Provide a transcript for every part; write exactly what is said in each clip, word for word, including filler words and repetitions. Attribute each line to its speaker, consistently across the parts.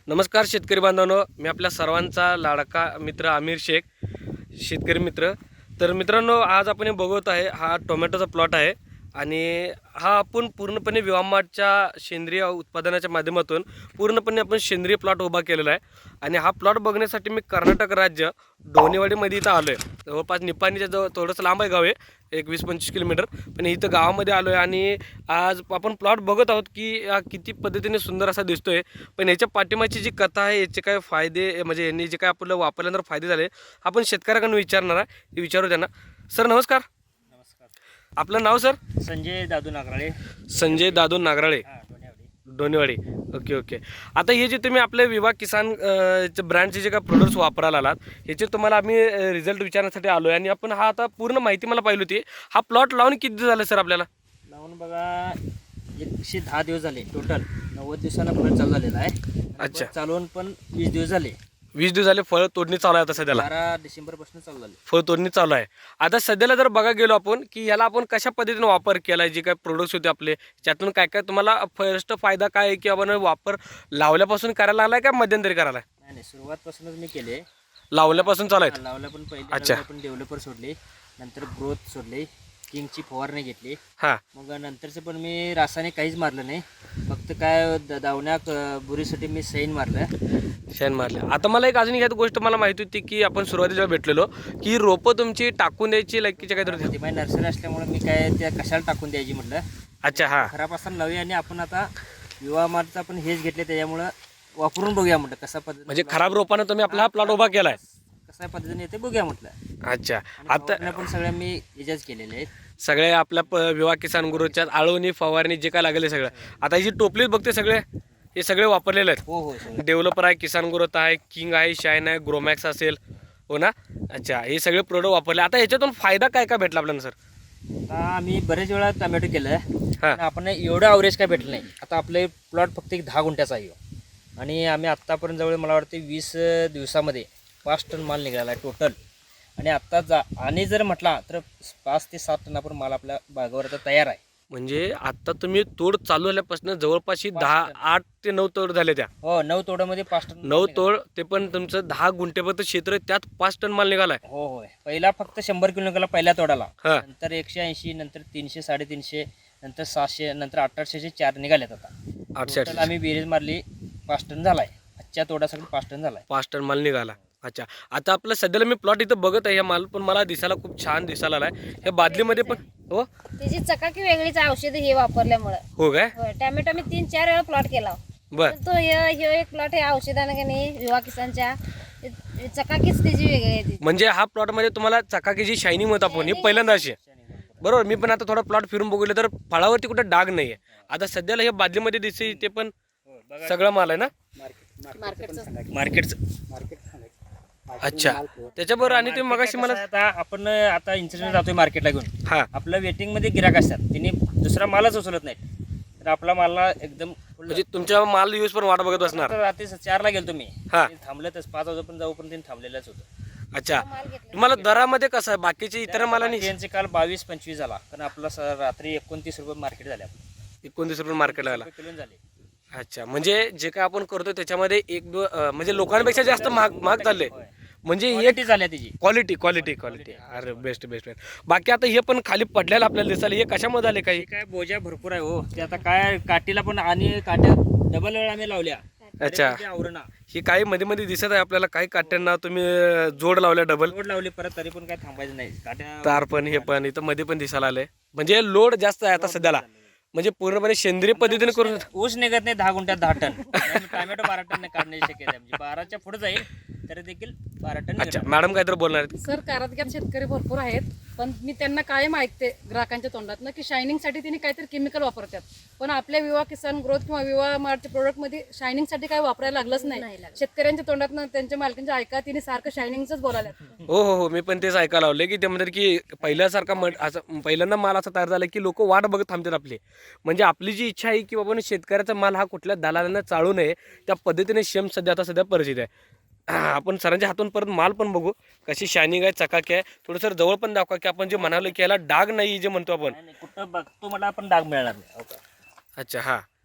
Speaker 1: नमस्कार शेतकरी बांधवांनो, मी आपल्या सर्वांचा लाडका मित्र आमिर शेख, शेतकरी मित्र. तर मित्रांनो, आज आपण हे बघत आहे, हा टोमॅटोचा प्लॉट आहे आणि हा आपण पूर्णपणे विवामार्टच्या सेंद्रिय उत्पादनाच्या माध्यमातून पूर्णपणे आपण सेंद्रिय प्लॉट उभा केलेला आहे. आणि हा प्लॉट बघण्यासाठी मी कर्नाटक राज्य डोनेवाडीमध्ये इथं आलो आहे. जवळपास निपाणीच्या जवळ थोडंसं लांब आहे गाव आहे, एक वीस पंचवीस किलोमीटर, पण इथं गावामध्ये आलो आहे. आणि आज आपण प्लॉट बघत आहोत की हा किती पद्धतीने सुंदर असा दिसतोय. पण याच्या पाठीमागची जी कथा आहे, याचे काय फायदे, म्हणजे यांनी जे काय आपल्याला वापरल्यानंतर फायदे झाले, आपण शेतकऱ्याकडून विचारणार आहे. ते विचारू त्यांना. सर नमस्कार.
Speaker 2: नमस्कार.
Speaker 1: आपलं नाव सर?
Speaker 2: संजय दादू नागराळे.
Speaker 1: संजय दादू नागराळे,
Speaker 2: हा, डोनेवाडी.
Speaker 1: डोनेवाडी. Okay okay. आता हे जे तुम्ही आपले विवा किसान ब्रँडचे जे काय प्रोडक्ट्स वापरायला आलात, ह्याचे तुम्हाला आम्ही रिझल्ट विचारण्यासाठी आलो आहे. आणि आपण हा आता पूर्ण माहिती मला पाहिली होती. हा प्लॉट लावून किती दिवस झाले सर आपल्याला?
Speaker 2: लावून बघा एकशे दहा दिवस झाले टोटल. नव्वद दिवसांना प्लॉट चालू झालेला आहे.
Speaker 1: अच्छा.
Speaker 2: चालवून पण वीस दिवस झाले.
Speaker 1: वीस दिवस झाले. फळ तोडणी चालू आहे आता सध्याला?
Speaker 2: बारा डिसेंबर पासून चालू झाले.
Speaker 1: फळ तोडणी चालू आहे. आता सध्याला जर बघा गेलो आपण की ह्याला आपण कशा पद्धतीने वापर केला आहे, जे काय प्रोडक्ट्स होते आपले, त्यातून काय काय तुम्हाला फर्स्ट फायदा काय आहे, की आपण वापर लावल्यापासून करायला लागला का मध्यंतरी करायला?
Speaker 2: नाही नाही, सुरुवातपासूनच मी केले.
Speaker 1: लावल्यापासून चालू आहे.
Speaker 2: लावल्या पण पहिले
Speaker 1: अच्छा.
Speaker 2: आपण डेव्हलपर सोडले, नंतर ग्रोथ सोडले, किंगची फवारणी घेतली.
Speaker 1: हां.
Speaker 2: मग नंतरचं पण मी रासायनिक काहीच मारलं नाही. फक्त काय द- दावण्या क- बुरीसाठी मी सैन मारलं.
Speaker 1: शेण मारले. आता मला एक अजून एक गोष्ट मला माहिती होती की आपण सुरुवातीला भेटलेलो की रोपं तुमची टाकून द्यायची लायकीच्या काहीतरी होती.
Speaker 2: ती माझी नर्सरी असल्यामुळे मी काय त्या कशाला टाकून द्यायची म्हटलं.
Speaker 1: अच्छा. हां.
Speaker 2: खराब असताना लावूया आणि आपण आता युवा मार्टचं आपण हेच घेतले, त्याच्यामुळं वापरून बघूया म्हटलं कसा पद्धती,
Speaker 1: म्हणजे खराब रोपानं तुम्ही आपला हा प्लॉट उभा केलाय.
Speaker 2: कशा पद्धतीने येते बघूया म्हटलं.
Speaker 1: अच्छा.
Speaker 2: आणि
Speaker 1: आता
Speaker 2: फवारण्या पण सगळ्या मी याच्याच केलेल्या आहेत.
Speaker 1: सगळे आपल्या प विवा किसान गुरुच्या आळवणी फवारणी जे काय लागले सगळं, आता ही जी टोपलीच बघते सगळे, हे सगळे वापरलेले आहेत.
Speaker 2: हो हो सगळं.
Speaker 1: डेव्हलपर आहे, किसान ग्रोथ आहे, किंग आहे, शाईन आहे, ग्रोमॅक्स असेल, हो ना? अच्छा. हे सगळे प्रोडक्ट वापरले. आता याच्यातून फायदा काय काय भेटला आपल्याला सर?
Speaker 2: आता आम्ही बरेच वेळा टोमॅटो केलं
Speaker 1: हां.
Speaker 2: पण आपण एवढं अवरेज काय भेटलं नाही. आता आपले प्लॉट फक्त एक दहा गुंठ्याचा आहे ह्यो. आणि आम्ही आत्तापर्यंत जवळ मला वाटते वीस दिवसामध्ये पाच टन माल निघाला आहे टोटल. आणि आत्ता जा आणि जर म्हटला तर पाच ते सात टन आपण माल आपल्या बागावर आता तयार आहे.
Speaker 1: म्हणजे आता तुम्ही तोड चालू झाल्यापासून जवळपास ही दहा आठ ते नऊ तोड झाले. त्या
Speaker 2: हो, नऊ तोड्यामध्ये पाच टन
Speaker 1: नऊ तोड, ते पण तुमचं दहा गुंठेपर्यंत क्षेत्र आहे, त्यात पाच टन माल निघालाय.
Speaker 2: हो होय. पहिला फक्त शंभर किलो निघाला पहिल्या तोडाला.
Speaker 1: हा.
Speaker 2: नंतर एकशे ऐंशी, नंतर तीनशे, साडेतीनशे, नंतर सहाशे, नंतर अठराशेचे चार निघालेत आता.
Speaker 1: आठशे
Speaker 2: Total आम्ही बेरीज मारली, पाच टन झालाय. आजच्या तोड्यासाठी पाच टन झालाय.
Speaker 1: पाच टन माल निघाला. अच्छा. आता आपलं सध्याला मी प्लॉट इथं बघत आहे, हे माल पण मला दिसायला खूप छान दिसायला आलाय. ह्या बादलीमध्ये पण हो
Speaker 3: त्याची चकाकी वेगळीच आहे औषधी हे वापरल्यामुळे.
Speaker 1: हो काय?
Speaker 3: होय, टॅमॅटो मी तीन चार वेळा प्लॉट केला.
Speaker 1: बर.
Speaker 3: तो हे ह्यो एक प्लॉट आहे औषधानं का नाही युवा किसानच्या, चकाकीच त्याची वेगळी आहे ती.
Speaker 1: म्हणजे हा प्लॉट मध्ये तुम्हाला चकाकीची शायनिंग होता पण ही पहिल्यांदा अशी आहे. बरोबर. मी पण आता थोडा प्लॉट फिरून बघितलं तर फळावरती कुठे डाग नाहीये. आता सध्याला हे बादलीमध्ये दिसते, ते पण सगळं माल आहे ना
Speaker 3: मार्केटचं
Speaker 1: मार्केटचं? अच्छा. त्याच्याबरोबर आणि तुम्ही मगाशी मला
Speaker 2: आता आपण आता इन्सिडेंट जातोय मार्केटला घेऊन.
Speaker 1: हा
Speaker 2: आपलं वेटिंग मध्ये गिराक असतात, तिने दुसरा मालच उचलत नाही. तर आपला मालला एकदम
Speaker 1: म्हणजे तुमच्या माल यूज पण वाट बघत बसणार.
Speaker 2: आता रात्री चारला गेलो तुम्ही,
Speaker 1: हा.
Speaker 2: थांबलंच पाच वाजेपर्यंत जाऊपर्यंत त्यांनी थांबलेलंच होतं.
Speaker 1: अच्छा.
Speaker 3: माल घेतला.
Speaker 1: तुम्हाला दरामध्ये कसं आहे बाकीचे इतर मालांनी?
Speaker 2: त्यांचे काल बावीस पंचवीस झाला, कारण आपला स- रात्री एकोणतीस रुपये मार्केट झाले.
Speaker 1: एकोणतीस रुपये मार्केटला आला.
Speaker 2: किलो झाले.
Speaker 1: अच्छा. म्हणजे जे काय आपण करतो त्याच्यामध्ये एक दो अं, म्हणजे लोकांपेक्षा जास्त महाग महाग चालले. म्हणजे हे
Speaker 2: क्वालिटी झाल्या त्याची.
Speaker 1: क्वालिटी क्वालिटी क्वालिटी अरे बेस्ट बेस्ट बेस्ट. बाकी आता हे पण खाली पडलेलं आपल्याला दिसायला, हे कशामध्ये आले काही?
Speaker 2: हे काय बोजा भरपूर आहे हो. ते आता काय काठीला पण आणि काट्या डबल वेळा आम्ही लावल्या.
Speaker 1: अच्छा.
Speaker 2: आवरणा
Speaker 1: ही काही मध्ये मध्ये दिसत आहे आपल्याला, काही काट्यांना तुम्ही अं, जोड लावल्या डबल
Speaker 2: लोड लावली परत, तरी पण काय थांबायचं नाही. काट्या
Speaker 1: तार पण हे पण इथं मध्ये पण दिसायला आले. म्हणजे लोड जास्त आहे आता सध्याला, म्हणजे पूर्णपणे सेंद्रिय पद्धतीने करून.
Speaker 2: ऊस निघत नाही दहा गुंठ्यात दहा टन. टोमॅटो बारा टन काढण्याची शक्यता आहे. म्हणजे बाराच्या पुढे जाईल तरी देखील बारा टन
Speaker 1: अच्छा.
Speaker 2: निघणार.
Speaker 1: मॅडम काहीतरी बोलणार आहेत?
Speaker 4: सर, कारागीर शेतकरी भरपूर आहेत, पण मी त्यांना कायम ऐकते ग्राहकांच्या तोंडात की शायनिंगसाठी तिने काहीतरी केमिकल वापरतात. पण आपल्या विवा किसान ग्रोथ किंवा विवा मार्टच्या प्रोडक्टमध्ये शायनिंगसाठी काय वापरायला लागलंच नाही. शेतकऱ्यांच्या तोंडात त्यांच्या मालकांच्या ऐका तिने सारखं शायनिंगच बोलायला.
Speaker 1: हो हो हो. मी पण तेच ऐकायला लावले की ते म्हणतात की पहिल्यासारखा मट असं पहिल्यांदा माल असा तयार झाला की लोक वाट बघत थांबतात आपली. म्हणजे आपली जी इच्छा आहे की बाबा शेतकऱ्याचा माल हा कुठल्या दलालांना चालू नये, त्या पद्धतीने शेम सध्या आता सध्या परिस्थिती आहे. आपण सरांच्या हातून परत माल पण बघू कशी शायनिंग आहे, चकाकी आहे. थोडं सर जवळ पण दाखवा की आपण जे म्हणालो की याला डाग नाही जे म्हणतो आपण.
Speaker 2: नाही, नाही, कुठं बघतो मला आपण डाग मिळणार नाही. हो का?
Speaker 1: अच्छा. हां.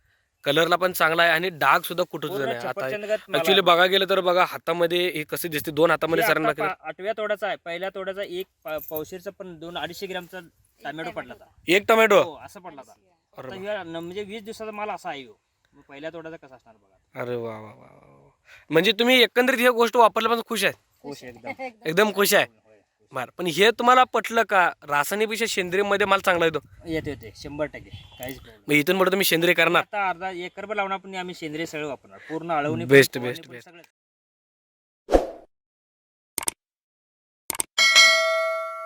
Speaker 1: कलरला पण चांगला आहे आणि डाग सुद्धा कुठं सुद्धा नाही. आता
Speaker 2: छप्परचंदगत मला-
Speaker 1: ऍक्च्युली बघा गेलं तर बघा हातामध्ये हे कसे दिसते, दोन हातामध्ये
Speaker 2: हे
Speaker 1: सरांना
Speaker 2: आता पा- आठव्या तोड्याचा आहे. पहिल्या तोड्याचा एक पा- पावशेरचा पण दोन अडीचशे ग्रामचा टोमॅटो पडला होता.
Speaker 1: एक टोमॅटो.
Speaker 2: हो असं पडला होता. आता ह्या न- म्हणजे वीस दिवसाचा माल असा आहे ह्यो. मग पहिल्या तोड्याचा कसा असणार बघा.
Speaker 1: अरे वा वा वा वा वा. म्हणजे तुम्ही एकंदरीत ही गोष्ट वापरल्यापासून खुश आहे,
Speaker 2: खुश एकदम.
Speaker 1: एकदम खुश आहे. बरं, पण हे तुम्हाला पटलं का रासायनिकपेक्षा सेंद्रिय मध्ये माल चांगला येतो?
Speaker 2: येते येते शंभर टक्के काहीच problem
Speaker 1: मग इथून पुढे तुम्ही सेंद्रिय
Speaker 2: नाही.
Speaker 1: करणार?
Speaker 2: आता अर्धा एकरभर लावणार पण आम्ही सेंद्रिय सगळं वापरणार पूर्ण अळवणी
Speaker 1: Best,
Speaker 2: पण,
Speaker 1: best,
Speaker 2: फवारणी पण
Speaker 1: best.
Speaker 2: सगळं.